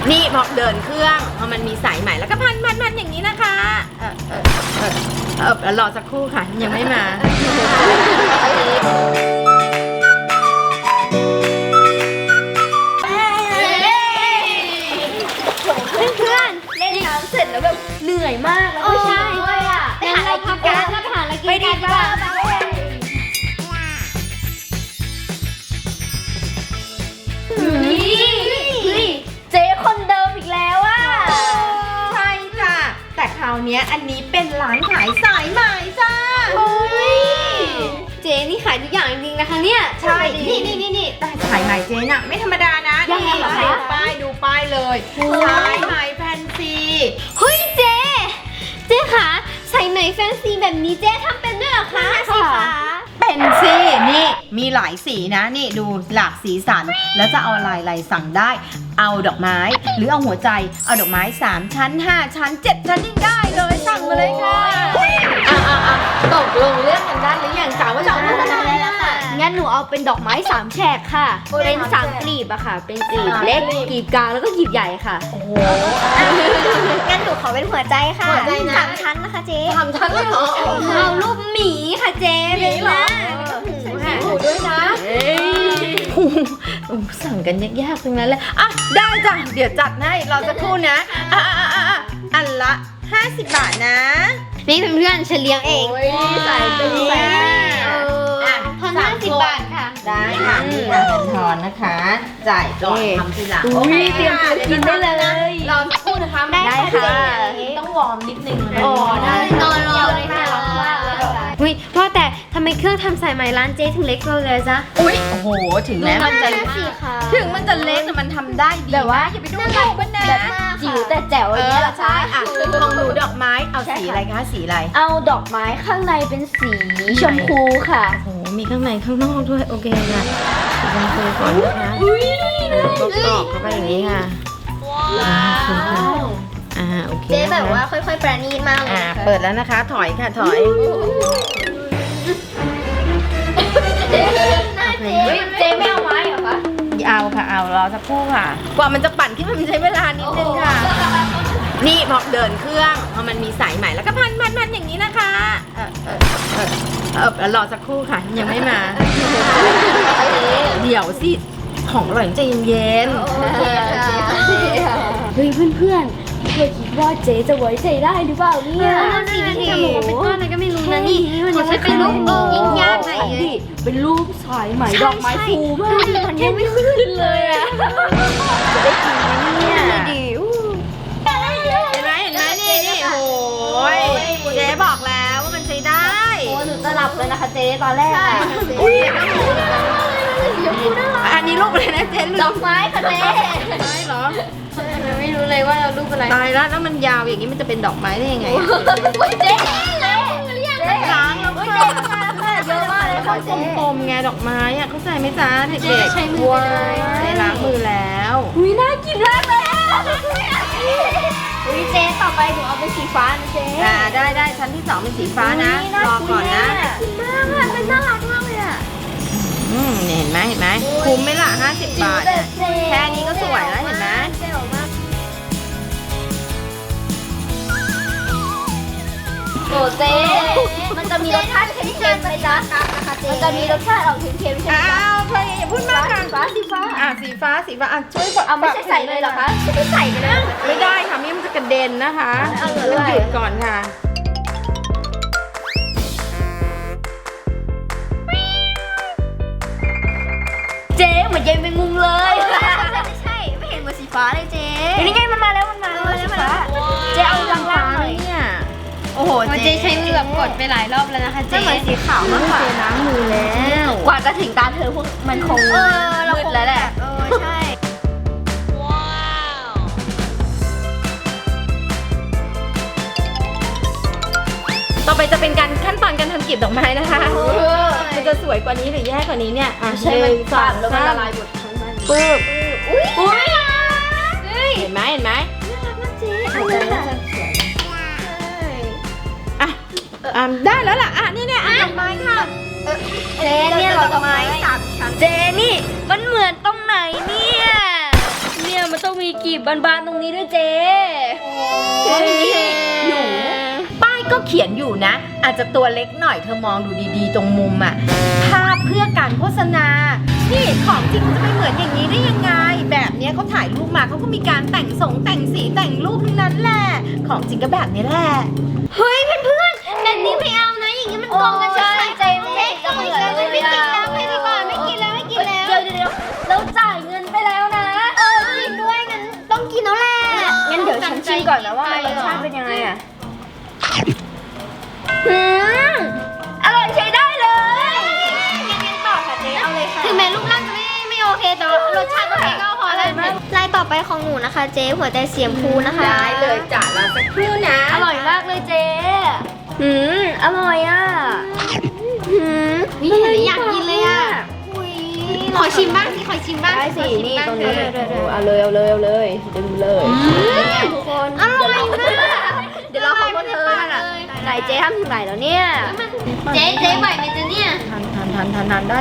นี่พอเดินเครื่องพอมันมีสายใหม่แล้วก็พันอย่างนี้นะคะรอสักครู่ค่ะยังไม่มาเพื่อนเล่นน้ำเสร็จแล้วแบบเหนื่อยมากแล้วใช่ด้วยอ่ะไปหาอะไรกินกันไปหาอะไรกินกันดีกว่าเจ๊คนเดิมอีกแล้วอ่ะใช่จ้ะแต่คราวนี้อันนี้เป็นร้านขายสายใหม่จ้าเจ๊นี่ขายทุกอย่างจริงๆนะคะเนี่ยใช่นี่แต่สายใหม่เจ๊น่ะไม่ธรรมดานะนี่ดูป้ายเลยสายใหม่แฟนซีเฮ้ยเจ๊คะใส่ไหมแฟนซีแบบนี้เจ๊ทำเป็นด้วยเหรอคะสิคะเป็นสินี่มีหลายสีนะนี่ดูหลากสีสันแล้วจะเอาอะไรสั่งได้เอาดอกไม้หรือเอาหัวใจเอาดอกไม้3ชั้น5ชั้น7ชั้นยิ่งได้เลยสั่งมาเลยค่ะตกลงเรื่องกันได้หรือยังจ๋าว่าจะเอาเรื่องอะไรล่ะงั้นหนูเอาเป็นดอกไม้3แฉกค่ะเป็น3กลีบอะค่ะเป็นกลีบเล็กกลีบกลางแล้วก็กลีบใหญ่ค่ะโอ้โหงั้นหนูขอเป็นหัวใจค่ะ3ชั้นนะคะเจ๊ 3ชั้นเลยเหรอเอารูปหมีค่ะเจ๊เป็นหน้าหูด้วยนะสั่งกันยากๆตรงนั้นเลยอ่ะได้จ้ะเดี๋ยวจัดให้รอสักครู่นะอันละ50 บาทนะนี่เพื่อนฉันเลี้ยงเองใส่เป็นแสนทอน50 บาทค่ะได้ค่ะทอนนะคะจ่ายก่อนทำทีหลังโอเคเตรียมกินได้เลยรอสักครู่นะคะได้ค่ะต้องวอร์มนิดนึงได้นอนรอเลยค่ะว่าแต่ทำไมเครื่องทำสายไหมร้านเจ๊ถึงเล็กเลยจ๊ะโอ้โหถึงแม้มันจะเล็กแต่มันทำได้ดีแต่ว่าอย่าไปดูถูกมันนะจิ๋วแต่แจ๋วอย่างนี้ใช่อ่ะของหนูดอกไม้เอาสีอะไรคะสีอะไรเอาดอกไม้ข้างในเป็นสีชมพูค่ะโอ้โหมีข้างในข้างนอกด้วยโอเคค่ะชมพูก่อนนะคะก็กรอกเข้าไปอย่างนี้ค่ะโอเคเจ๊แบบว่าค่อยๆประณีตมากเลยเปิดแล้วนะคะถอยค่ะถอยเจ๊ไม่เอาไม้เหรอคะเอาค่ะเอารอสักครู่ค่ะกว่ามันจะปั่นขึ้นมันใช้เวลานิดนึงค่ะนี่พอเดินเครื่องพอมันมีสายใหม่แล้วก็พันอย่างนี้นะคะรอสักครู่ค่ะยังไม่มาเดี๋ยวสิของอร่อยใจเย็นเฮ้ยเพื่อนเคยคิดว่าเจ๊จะไว้ใจได้หรือเปล่าเนี่ยนั่นสิที่จะบอกว่าเป็นก้อนอะไรก็ไม่รู้นะนี่มันยังไม่เป็นรูปยิ่งยากไหนเป็นรูปสายไหมดอกไม้ฟูมากมันยังไม่ขึ้นเลยอะจะได้กินไหมเนี่ยดิเห็นไหมนี่โอ้ยเจ๊บอกแล้วว่ามันใช้ได้โอ้หนูจะหลับเลยนะคะเจ๊ตอนแรกอันนี้รูปอะไรนะเจ๊ดอกไม้ค่ะเจ๊ไม้เหรอไม่รู้เลยว่าเรารูปอะไรตายแล้วมันยาวอย่างนี้มันจะเป็นดอกไม้ได้ยังไงเจ๊ล้างแล้วค่ะเยอะมากเลยค่ะกลมๆไงดอกไม้อะเข้าใจไหมจ๊ะเด็กๆใช้มือใช้ล้างมือแล้วน่ากินมากเลยเจ๊ต่อไปหนูเอาเป็นสีฟ้านะเจ๊ได้ชั้นที่2เป็นสีฟ้านะรอก่อนนะกินมากอะมันน่ารักมากเลยอะเห็นไหมคุ้มไหมล่ะ50 บาทแค่นี้ก็สวยแล้วเห็นไหมโอ้เจ๊มันจะมีรสชาติเค็มๆไหมจ๊ะมันจะมีรสชาติออกเค็มๆใช่ไหมจ๊ะเธออย่าพูดมากค่ะสีฟ้าสีฟ้าช่วยกดไม่ใช่ใส่เลยเหรอคะไม่ใส่กันนะไม่ได้ค่ะมันจะกระเด็นนะคะต้องหยุดก่อนค่ะเจ๊เหมือนยายแมงมุมเลยไม่ใช่ไม่เห็นเหมือนสีฟ้าเลยเจ๊นี่ไงมันมาแล้วสีฟ้าเจ๊เอาล่างๆหน่อยเนี่ยโอ้โหเจ๊ใช้มือแบบกดไปหลายรอบแล้วนะคะเจ๊เหมือนสีขาวมากกว่าล้างมือแล้วกว่าจะถึงตาเธอพวกมันคงมืดแล้วแหละใช่ต่อไปจะเป็นการขั้นตอนการทำกลีบดอกไม้นะคะมันจะสวยกว่านี้หรือแย่กว่านี้เนี่ยใช่มันสั่นแล้วมันละลายหมดทั้งนั้นปึ๊บอุ้ยเห็นไหมน่ารักนะเจ๊ได้แล้วล่ะนี่ดอกไม้ค่ะเจ๊เนี่ยดอกไม้3 ชั้นเจ๊นี่มันเหมือนตรงไหนเนี่ยมันต้องมีกีบบานๆตรงนี้ด้วยเจ๊โอ้ยนี่หนูป้ายก็เขียนอยู่นะ อาจจะตัวเล็กหน่อยเธอมองดูดีๆตรงมุมอะภาพเพื่อการโฆษณา นี่ของจริงมันจะไปเหมือนอย่างนี้ได้ยังไง แบบเนี้ยเขาถ่ายรูปมาเขาก็มีการแต่งสีแต่งรูปทั้งนั้นแหละ ของจริงก็แบบนี้แหละเฮ้ยเพื่อนๆแบบนี้ไม่เอานะอย่างนี้มันโกงกันชัดๆเจ๊ไม่โกงกันไม่กินแล้วไม่ดีกว่าไม่กินแล้วไม่กินแล้วเดี๋ยวเราจ่ายเงินไปแล้วนะจริงด้วยงั้นต้องกินแล้วแหละงั้นเดี๋ยวฉันชิมก่อนนะว่ารสชาติเป็นยังไงอะอร่อยใช้ได้เลยงั้นต่อค่ะเจ๊เอาเลยค่ะถึงแม้รูปร่างจะไม่โอเคแต่ว่ารสชาติโอเคก็พอแล้วลายต่อไปของหนูนะคะ เจ๊หัวใจเสียมพูนะคะได้เลยจ้ะเราสักครู่นะอร่อยมากเลยเจ๊อร่อยอ่ะนี่เห็นแล้วอยากกินเลยอ่ะขอชิมบ้างสิขอชิมบ้างได้สิขอชิมนี่บ้างตรงนี้เออเอาเลยดึงเลยทุกคนอร่อยมากเดี๋ยวเราขอพวกเธอน่ะไหนเจ๊ทำถึงไหนแล้วเนี่ยเจ๊ไหวไหมจ๊ะเนี่ยทันได้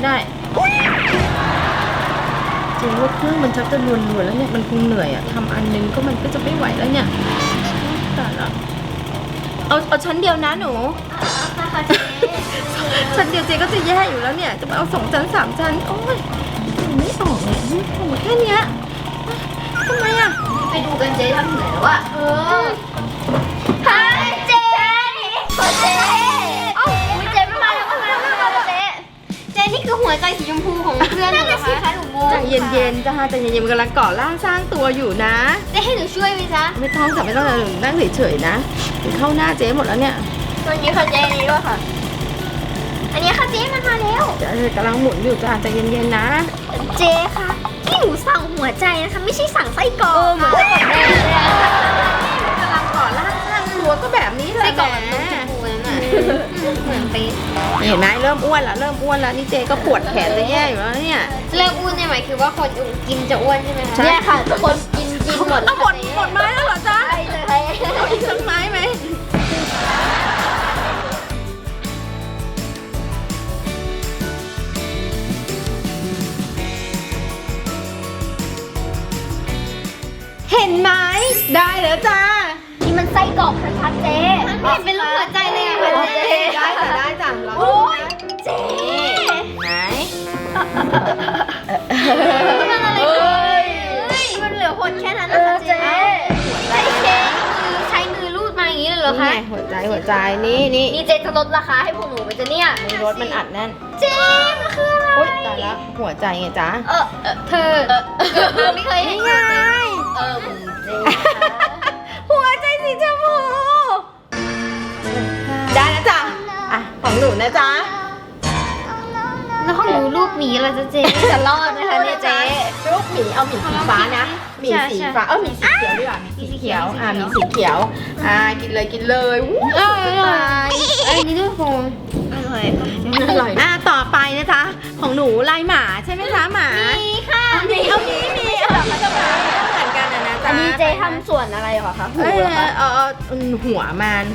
จริงว่าเครื่องมันชักจะรวนๆแล้วเนี่ยมันคงเหนื่อยอะทำอันนึงก็มันก็จะไม่ไหวแล้วเนี่ยแต่ละเอาชั้นเดียวนะหนูค่ะเจ๊ชั้นเดียวเจ๊ก็จะแย่อยู่แล้วเนี่ยจะมาเอา2 ชั้น 3 ชั้นโอ้ยไม่ออกเนี่ยโอ้โหแค่เนี้ยทำไมอะไปดูกันเจ๊ทำถึงไหนแล้วอะฮะเจ๊ขอเจ๊เอ้าเจ๊ไม่มาแล้วเจ๊เจ๊นี่คือหัวใจสีชมพูของเพื่อนหนูเหรอคะหนูงงใจเย็นๆจ้าใจเย็นๆมันกำลังก่อร่างสร้างตัวอยู่นะเจ๊ให้หนูช่วยไหมจ๊ะไม่ต้องค่ะไม่ต้องเลยนั่งเฉยๆนะเข้าหน้าเจ๊หมดแล้วเนี่ยตัวนี้ค่ะเจ๊นี้ด้วยค่ะอันนี้ค่ะเจ๊มันมาแล้วจะกำลังหมุนอยู่จ้าใจเย็นๆนะเจ๊คะที่หนูสั่งหัวใจนะคะไม่ใช่สั่งไส้กรอกเหมือนกับแม่เลยอะกำลังก่อร่างสร้างตัวก็แบบนี้แหละไส้กรอกแหแบบนมชมพูนั่นน่ะเหมือนไปเห็นไหมเริ่มอ้วนแล้วนี่เจ๊ก็ปวดแขนจะแย่อยู่แล้วเนี่ยเลิกอ้วนเนี่ยหมายคือว่าคนกินจะอ้วนใช่ไหมคะเนี่ยค่ะทุกคนกินหมดเอาหมดไม้แล้วเหรอจ๊ะใช่เลยเอาอีกสักไม้ไหมเห็นไหมได้แล้วจ้านี่มันไส้กรอกชัดๆเจ๊มันไม่เห็นเป็นรูปหัวใจเลยอะค่ะเจ๊ได้จ้ะเราโอ้ยเจ๊ไหนมันอะไรเฮ้ยเฮ้ยมันเหลือหดแค่นั้นนะคะเจ๊ใช้มือรูดมาอย่างนี้เลยเหรอคะนี่ไงหัวใจนี่นี่เจ๊จะลดราคาให้พวกหนูไปจะเนี่ยรถมันอัดแน่นเจ๊มันคืออะไรโอ๊ยตายแล้วหัวใจไงจ๊ะเธอไม่เคยเห็นนี่ไงเจ๊คะหัวใจสีชมพูได้แล้วจ้ะอ่ะของหนูนะจ๊ะแล้วของหนูรูปหมีอะไรจะเจ๊จะรอดไหมคะเนี่ยเจ๊ลูกหมีเอาหมีสีฟ้านะหมีสีฟ้าหมีสีเขียวดีกว่าหมีสีเขียวหมีสีเขียวกินเลยวู้อร่อยอันนี้ด้วยโฟมอร่อยอร่อยต่อไปนะจ๊ะของหนูลายหมาใช่ไหมจ๊ะหมามีค่ะมีมันจะมาเหมือนกันนะจ๊ะอันนี้เจ๊ทำส่วนอะไรเหรอคะหูเอ้ยเหรอคะหัวมัน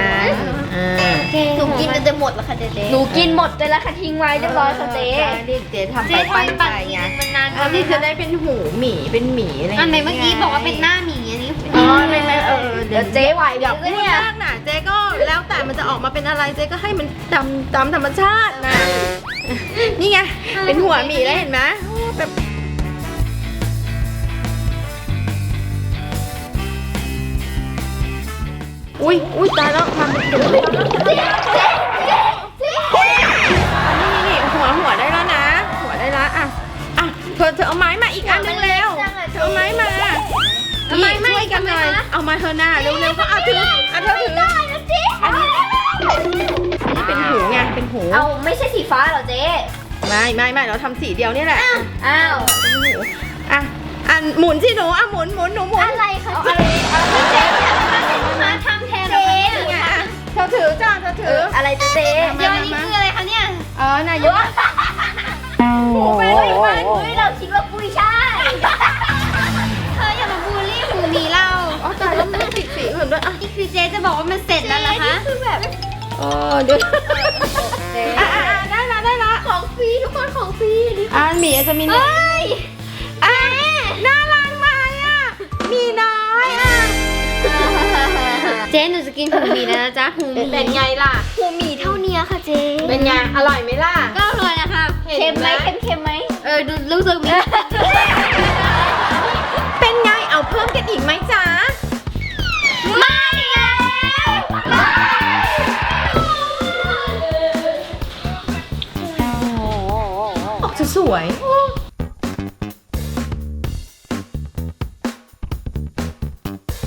หนูกินมันจะหมดแล้วค่ะเจ๊หนูกินหมดไปแล้วค่ะทิ้งไว้เรียบร้อยค่ะเจ๊เรียกเจ๊ทำไปเจ๊ปั้นทำไปปั่นไงมันนานอันนี้จะได้เป็นหูหมีเป็นหมีอะไรอันไหนเมื่อกี้บอกว่าเป็นหน้าหมีอันนี้อ๋อไม่เดี๋เดี๋ยยว วเจ๊ไหวอย่าเดี๋ยวพูดเนี่ยมากนะเจ๊ก็แล้วแต่มันจะออกมาเป็นอะไรเจ๊ก็ให้มันตามธรรมชาตินะนี่ไงเป็นหัวหมีแล้วเห็นไหมแบบอุ้ยตายแล้วมาเป็นเดือดนี่หัวได้แล้วนะหัวได้แล้วอ่ะเธอเอาไม้มาอีกอันนึงเร็วเอาไม้มานี่ช่วยกันหน่อยเอามาเธอหน้าเร็วๆก็ถือเธอถืออันนี้เป็นหูไงเป็นหูเอาไม่ใช่สีฟ้าเหรอเจ๊ไม่เราทำสีเดียวนี่แหละอ้าวหมุนสิหนูหมุนหนูหมุนอะไรคะเอาเจ๊อะไรเจ๊มาทำแทนเราเนี่ยเธอถือจ้าเธอถืออะไรเจ๊เดี๋ยวนี้คืออะไรคะเนี่ยนายกเฮ้ยเราคิดว่ากุ้ยช่ายเธออย่ามาบูลลี่หูหมีเราแต่แล้วมันติดสีอื่นด้วยอ่ะนี่คือเจ๊จะบอกว่ามันเสร็จแล้วเหรอคะคือแบบเดี๋ยวเจ๊ได้ละของฟรีทุกคนของฟรีนี่หมีจะมีเฮ้ยน่ารักมาเจ๊หนูจะกินหูหมี่นะจ๊ะหูหมี่เป็นไงล่ะหูหมี่เท่านี้ค่ะเจ๊เป็นไง อร่อยไหมล่ะก็อร่อยนะคะเค็มไหมเค็มไหมดูรู้สึกมีเป็นไง เอาเพิ่มกันอีกไหมจ๊ะไม่แล้วออกจะสวย